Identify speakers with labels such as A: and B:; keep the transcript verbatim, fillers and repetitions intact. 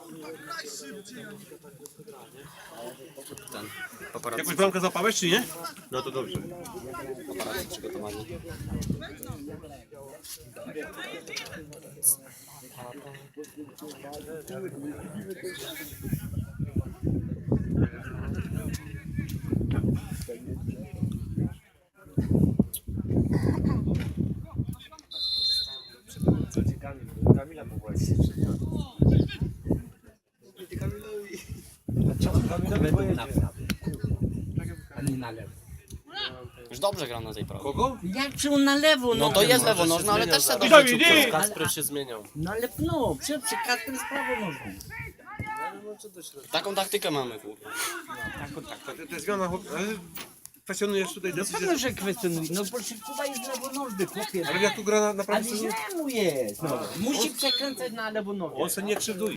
A: Ten, paparazzi,
B: Jakąś bramkę złapałeś, czy nie?
C: No to dobrze.
A: paparazzi przygotowani.
C: Kamila powołać się
A: Już dobrze gram na tej prawej.
B: Kogo?
D: Jak czy on na lewo?
A: No to jest lewo nożna, ale też se
B: Dawid,
A: dobrze
B: nie!
A: ciupnął.
C: Kasper się zmieniał.
D: No ale no, przy, przy Kasper jest prawo nogą.
A: Taką taktykę mamy, kurwa.
B: Ta, ta zmiana, chłop- ale kwestionujesz tutaj
D: No
B: decyzję.
D: pewno, że kwestionuje. No bo Kuba jest lewonożny, chłopie.
B: Ale jak tu gra na, na
D: Ale
B: prawej stronie,
D: źle mu jest. No. Musi przekręcać na lewo nogę.
B: on se nie krzywduje.